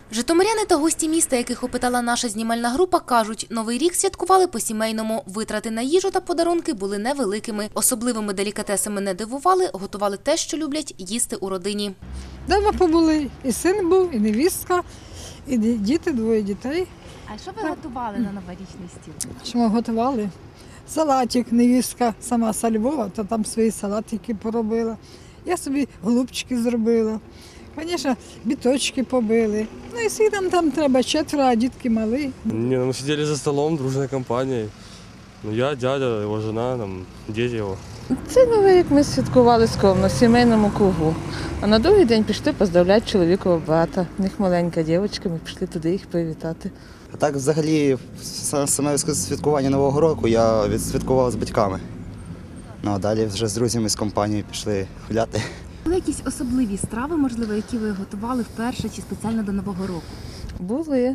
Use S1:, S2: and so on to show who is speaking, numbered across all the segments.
S1: Житомиряни та гості міста, яких опитала наша знімальна група, кажуть, Новий рік святкували по-сімейному. Витрати на їжу та подарунки були невеликими. Особливими делікатесами не дивували, готували те, що люблять їсти у родині.
S2: Дома побули, і син був, і невістка, і діти, двоє дітей.
S3: А що ви готували на новорічний стіл?
S2: Що ми готували? Салатик, невістка сама з Львова, то там свої салатики поробила. Я собі голубчики зробила. Звісно, біточки побили. Ну і всі там треба, 4, а дітки малі.
S4: Мы сидели за столом, дружной компанией. Я, дядя, его жена, дети его.
S5: Цей Новий рік ми святкували скромно, в сімейному кругу. А на другий день пішли поздравляти чоловікового брата. У них маленька дівчинка, ми пішли туди їх привітати.
S6: А так взагалі саме святкування Нового року я відсвяткував з батьками. Ну а далі вже з друзями, з компанією пішли гуляти.
S3: Були якісь особливі страви, можливо, які ви готували вперше чи спеціально до Нового року?
S5: Були.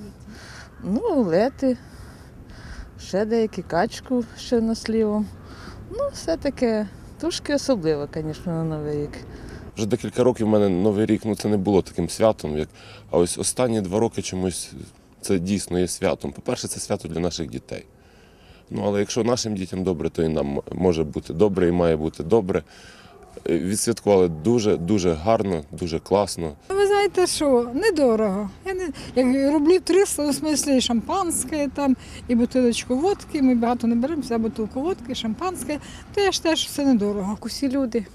S5: Омлети, ще деякі качку з чорнослівом. Все таке, трошки особливо, звісно, на Новий рік.
S7: Вже декілька років в мене Новий рік це не було таким святом, а ось останні 2 роки чомусь це дійсно є святом. По-перше, це свято для наших дітей. Але якщо нашим дітям добре, то і нам може бути добре і має бути добре. Відсвяткували дуже гарно, дуже класно.
S2: Ви знаєте що, недорого. Як рублів 300, в смислі шампанське, і бутилочку водки, ми багато не беремо, вся бутилку водки, шампанське, то я ж теж все недорого.
S8: Усі люди,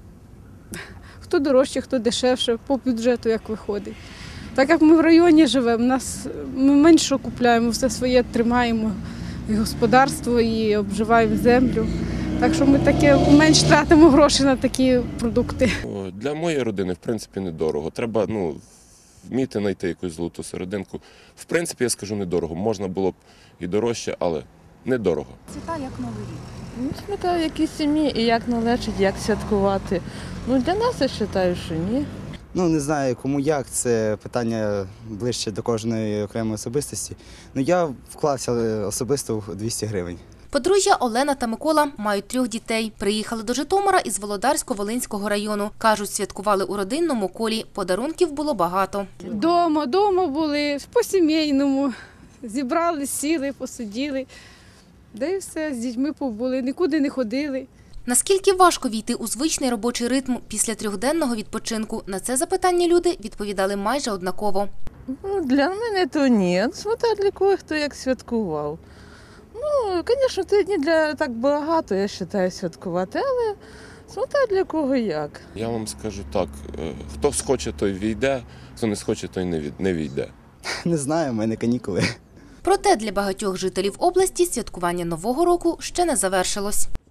S8: хто дорожче, хто дешевше, по бюджету як виходить. Так як ми в районі живемо, ми менше купуємо, все своє тримаємо, і господарство, і обживаємо землю. Так що ми менш тратимо гроші на такі продукти.
S7: Для моєї родини, в принципі, недорого. Треба вміти знайти якусь золоту серединку. В принципі, я скажу, недорого. Можна було б і дорожче, але недорого.
S3: Свята як Новий рік?
S5: Свята в якій сім'ї і як належить, як святкувати. Для нас я вважаю, що ні.
S6: Не знаю, кому як, це питання ближче до кожної окремої особистості. Я вклався особисто в 200 гривень.
S1: Подружжя Олена та Микола мають 3 дітей. Приїхали до Житомира із Володарсько-Волинського району. Кажуть, святкували у родинному колі. Подарунків було багато.
S8: Дома були, по-сімейному. Зібрали, сіли, посиділи. Да і все, з дітьми побули, нікуди не ходили.
S1: Наскільки важко війти у звичний робочий ритм після 3-денного відпочинку? На це запитання люди відповідали майже однаково.
S5: Для мене то ні. Смотря для кого, хто як святкував. Звісно, 3 дні для так багато, я вважаю, святкувати, але смотря для кого як.
S7: Я вам скажу так, хто схоче, той війде, хто не схоче, той не війде.
S6: Не знаю, в мене канікули.
S1: Проте для багатьох жителів області святкування Нового року ще не завершилось.